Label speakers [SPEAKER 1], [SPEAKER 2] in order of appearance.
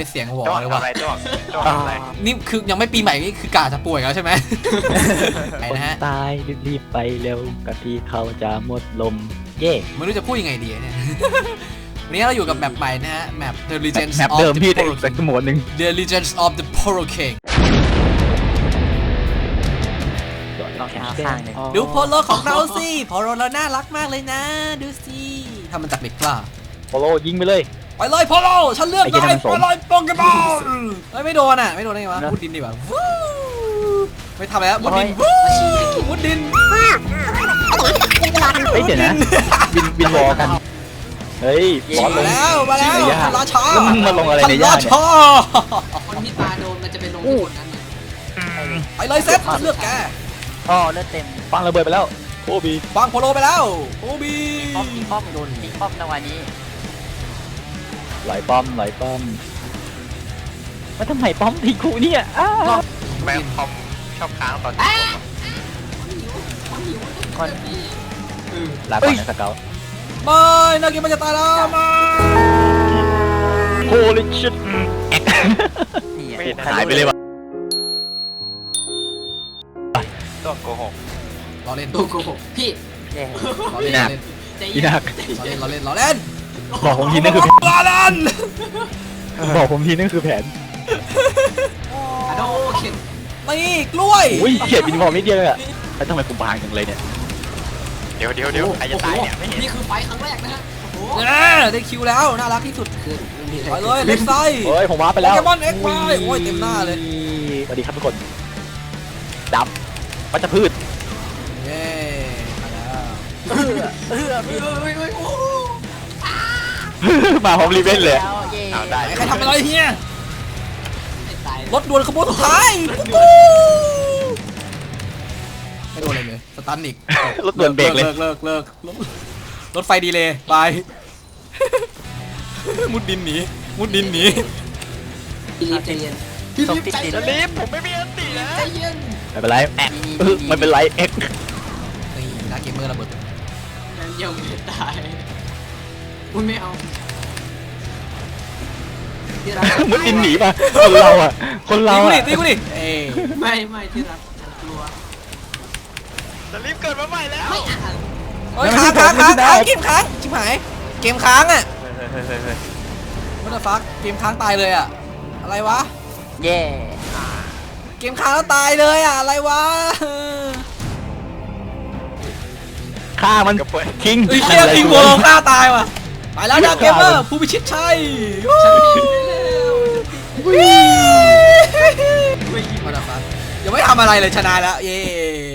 [SPEAKER 1] เสียงหัว
[SPEAKER 2] จ้วง
[SPEAKER 1] เลย
[SPEAKER 2] อะ
[SPEAKER 1] ว่ะ
[SPEAKER 2] ไรจ้วงอะไร
[SPEAKER 1] นี่คือยังไม่ปีใหม่นี่คือกาจะป่วยแล้วใช่ไหม ไหนนะฮะ
[SPEAKER 3] ตายรีบๆไปเร็วกะที่เขาจะหมดลมเย่
[SPEAKER 1] ไม่รู้จะพูดยังไงดีเนี่ย วันนี้เราอยู่กับแมปใหม่นะฮะแมป The Legends
[SPEAKER 3] แมป
[SPEAKER 1] of
[SPEAKER 3] เดิม
[SPEAKER 1] the
[SPEAKER 3] พี่
[SPEAKER 1] Poro
[SPEAKER 3] แต่หมวดหนึ่ง
[SPEAKER 1] The Legends of the Poro King
[SPEAKER 4] ลองข้างหนึ่ง
[SPEAKER 1] ดูโพโลของเราสิโพโลเราน่ารักมากเลยนะ ดูสิทำมันจากเหล็กกล้า
[SPEAKER 3] โปโลยิงไปเลย
[SPEAKER 1] ไปเลยโพโลฉันเลือก
[SPEAKER 3] ไอ้เหี้
[SPEAKER 1] ได้
[SPEAKER 3] ยนั่นมันสม
[SPEAKER 1] ไปเลยโปเกมอนเฮ้ยไม่โดนอ่ะไม่โดนได้ไงวะมุดดินดีกว่าวู้ไม่ทำแล้วมุดดินวู้มุดดิน
[SPEAKER 3] เฮ้ยเดี๋ยวนะวินวอลกันเฮ้ยบอสล
[SPEAKER 1] มาง แล้วมาแล้ว
[SPEAKER 3] ในหญ้า
[SPEAKER 1] ทันราชา
[SPEAKER 3] แล้วมึงมาลงอะไรในหญ้าเนี่ย
[SPEAKER 1] ทันรช
[SPEAKER 5] คนที่ตาโดนมันจะไปลงที่คนนั้นเนี่ย
[SPEAKER 1] ไปเลยเซตฉันเลือกแก
[SPEAKER 4] อ๋อเลือดเต็ม
[SPEAKER 3] ปังระเบิดไปแล้วโอ้บี
[SPEAKER 1] วางโพโลไปแล้วโอบี
[SPEAKER 4] ป้อมโดนตีป้อมจังหวะนี้
[SPEAKER 3] ไหลป้อมมาทำไมป้อมทีกูเนี่ยอ้าว
[SPEAKER 2] แม่งคอมชอบค้างตอนที่ผม
[SPEAKER 4] คน
[SPEAKER 3] ลาก่อนนะสเกล
[SPEAKER 1] ไม่นากิมันจะตายแล้วมา
[SPEAKER 3] โฮลิชิต
[SPEAKER 4] นี่
[SPEAKER 2] ไม่เห็น
[SPEAKER 3] หายไปเลยว่ะ
[SPEAKER 2] ตัวโกหก
[SPEAKER 1] เราเล่น
[SPEAKER 5] ตัวโกหกพี่
[SPEAKER 4] แย่
[SPEAKER 1] เราเล่น
[SPEAKER 5] ใจ
[SPEAKER 3] อี
[SPEAKER 5] เย็น
[SPEAKER 3] นัก
[SPEAKER 1] เราเล่นเราเล่น
[SPEAKER 3] บอกผมทีนั่นคือ
[SPEAKER 1] เราเล่น
[SPEAKER 3] บอกผมทีนั่นคือแผน
[SPEAKER 5] อะโดเข็น
[SPEAKER 1] นี่กล้วย
[SPEAKER 3] อุ้ยเขียดวินวอลนิดเดียวเลยอะแล้วทำไมกูบางจังเลยเนี่ย
[SPEAKER 2] เดี๋ยวใครจะตายเนี่ยไม่เห็น
[SPEAKER 5] นี่คือไฟครั้งแรกนะฮะโอ้โห
[SPEAKER 1] ได้คิวแล้วน่ารักที่สุด
[SPEAKER 5] คือมันมี
[SPEAKER 1] ไปเลยเล็กไซ
[SPEAKER 3] เฮ้ยผมว้าไปแล้ว
[SPEAKER 1] โปเกมอน XY โอ้ยเต็มหน้าเลย
[SPEAKER 3] สวัสดีครับทุกคนดำวัชพืช
[SPEAKER 1] เย้มาแล้ว
[SPEAKER 5] เฮ้ยโอ้โห
[SPEAKER 3] มาพร้อมรีเวนเลย
[SPEAKER 4] แล้วเย่
[SPEAKER 2] เอาได้
[SPEAKER 1] ใครทำอะไรเฮีย
[SPEAKER 5] ไม่ตาย
[SPEAKER 1] รถด่วนขบวนสุดท้ายปุ๊บไม่โดนอะไรเลยสตันอีก
[SPEAKER 3] รถด่วนเบรกเลย
[SPEAKER 1] เลิกรถไฟดีเลยบาย มุดดินหนี
[SPEAKER 5] พี่รีบใจเย็น
[SPEAKER 4] ตรงติดดิน
[SPEAKER 2] รีบผมไม่มีอันตีนะ
[SPEAKER 5] ใจเย็น
[SPEAKER 3] ไม่เป็นไรไม่เป็นไรเอ็ก
[SPEAKER 1] นี่นักเกมเมอร์ระเบิด
[SPEAKER 5] ยังไม่ตายคุณไม่เอาที่รัก
[SPEAKER 3] มุดดินหนีมาคนเราอ่ะ
[SPEAKER 1] ตี
[SPEAKER 3] อะ
[SPEAKER 1] กูดิเอ้ย
[SPEAKER 5] ไม่ที่รักกลัว
[SPEAKER 2] จะรีบเกิดมาใหม่แล้ว
[SPEAKER 5] ไม่อ่าน
[SPEAKER 1] โอ้ยค้างเกมค้างชิบหายเกมค้างอ่ะ What the fuck เกมค้างตายเลยอ่ะอะไรวะ
[SPEAKER 4] เย่
[SPEAKER 1] เกมค้างแล้วตายเลยอ่ะอะไรวะ
[SPEAKER 3] ฆ่ามันทิ้ง
[SPEAKER 1] ไอ้เหี้ยทิ้งโวลฆ่าตายว่ะไปแล้วนักเกมเมอร์ผู้พิชิตชัย What the fuck ยังไม่ทำอะไรเลยชนะแล้วเย้